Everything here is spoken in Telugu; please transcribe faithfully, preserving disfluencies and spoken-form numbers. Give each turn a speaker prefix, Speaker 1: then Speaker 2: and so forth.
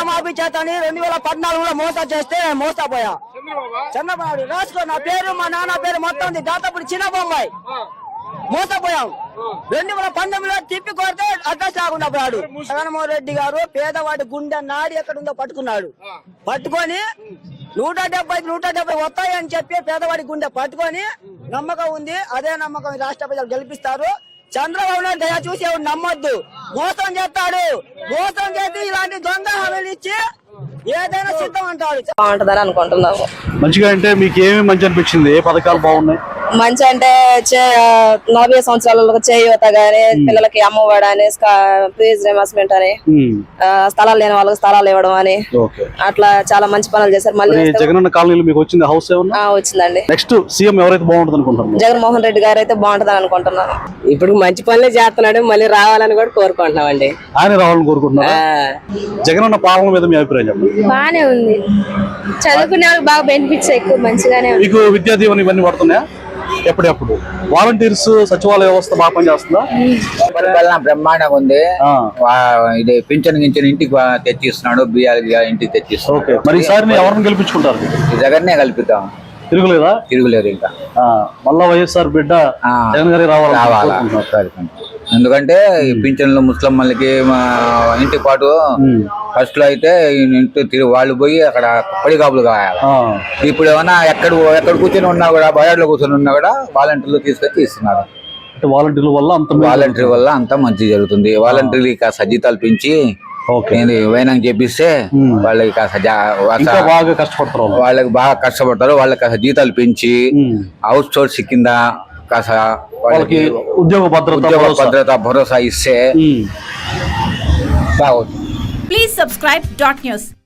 Speaker 1: రుణమాఫీ చేతని రెండు వేల పద్నాలుగులో మోసా చేస్తే మోసపోయా. చంద్రబాబు రాసుకో, నా పేరు మా నాన్న పేరు మొత్తం ఉంది. దాదాపు చిన్న బొమ్మాయి మోసపోయాం. రెండు వేల పంతొమ్మిదిలో తిప్పి కొడితే అడ్రస్ రాకుండా పోయాడు. జగన్మోహన్ రెడ్డి గారు పేదవాడి గుండె నాడి ఎక్కడ ఉందో పట్టుకున్నాడు. పట్టుకొని నూట డెబ్బై నూట డెబ్బై వస్తాయని చెప్పి పేదవాడి గుండె పట్టుకొని నమ్మకం ఉంది. అదే నమ్మకం రాష్ట్ర ప్రజలు గెలిపిస్తారు. చంద్రబాబు నాయుడు దయ చూసి ఎవరు నమ్మొద్దు. మోసం చేస్తాడు. మోసం చేసి ఇలాంటి దొంగ హామీలు ఇచ్చి ఏదైనా సిద్ధం అంటాడు.
Speaker 2: బాగుంటదని అనుకుంటున్నాము.
Speaker 3: మంచిగా అంటే మీకు ఏమి మంచి అనిపించింది? ఏ పథకాలు బాగున్నాయి?
Speaker 2: మంచి అంటే నలభై సంవత్సరాలకు చేయూత గానీ, పిల్లలకి అమ్మఒడి అని, ఫీజు రియంబర్స్మెంట్ అని, స్థలాలు లేని వాళ్ళకి స్థలాలు ఇవ్వడం అని, అట్లా చాలా మంచి పనులు చేశారు. మళ్ళీ
Speaker 3: జగనన్న కాలనీలో మీకు వచ్చింది హౌస్ ఏమన్నా?
Speaker 2: వచ్చిందండి.
Speaker 3: నెక్స్ట్ సీఎం ఎవరైతే బాగుంటుంది అనుకుంటున్నారు?
Speaker 2: జగన్మోహన్ రెడ్డి గారు అయితే బాగుంటదని అనుకుంటున్నాను.
Speaker 4: ఇప్పుడు మంచి పనులే చేస్తున్నాడు, మళ్ళీ రావాలని కూడా కోరుకుంటున్నాం అండి.
Speaker 3: ఆయన రావాలని కోరుకుంటున్నారు. జగనన్న పాలన మీద మీ అభిప్రాయం చెప్పండి.
Speaker 5: బానే ఉంది, చదువుకునే వాళ్ళకి బాగా బెనిఫిట్స్ ఎక్కువ మంచిగానే ఉంది.
Speaker 3: మీకు విద్యా దీవెన ఇవన్నీ పడుతున్నాయా? ఎప్పుడెప్పుడు వాలంటీర్స్ సచివాలయ వ్యవస్థ బాగా పనిచేస్తుందా?
Speaker 6: పరిపాలన బ్రహ్మాండంగా ఉంది. ఇది పింఛన్ గించిన ఇంటికి తెచ్చిస్తున్నాడు, బియ్యాలు ఇంటికి తెచ్చిస్తున్నాడు.
Speaker 3: మరి ఈసారి ఎవరిని గెలిపించుకుంటారు?
Speaker 6: జగన్నే కల్పిద్దాం.
Speaker 3: తిరుగులేదా?
Speaker 6: తిరుగులేదు. ఇంకా
Speaker 3: మళ్ళా వైఎస్ఆర్ బిడ్డ జగన్ గారి రావాలా?
Speaker 6: ఎందుకంటే ఈ పింఛన్లు ముస్లింలకి ఇంటి పాటు ఫస్ట్ లో అయితే ఇంటి వాళ్ళు పోయి అక్కడ పడిగాపులు కావాలి. ఇప్పుడు ఏమన్నా ఎక్కడ ఎక్కడ కూర్చొని ఉన్నా కూడా బయాడ్లో కూర్చొని ఉన్నా కూడా వాలంటీర్లు తీసుకొచ్చి ఇస్తున్నారు.
Speaker 3: వాలంటీర్ల వల్ల అంత
Speaker 6: వాలంటీర్ వల్ల అంతా మంచి జరుగుతుంది. వాలంటీర్లు కాస్త జీతాలు పెంచి వైనం చేపిస్తే వాళ్ళకి కాస్త
Speaker 3: బాగా కష్టపడతారు.
Speaker 6: వాళ్ళకి బాగా కష్టపడతారు. వాళ్ళకి కాస్త జీతాలు పెంచి హౌస్ సోర్స్ కింద కాస్త వాళ్ళకి
Speaker 3: ఉద్యోగ భద్రత
Speaker 6: భద్రత భరోసా ఇస్తే బాగుంటుంది.
Speaker 7: Please subscribe dot news.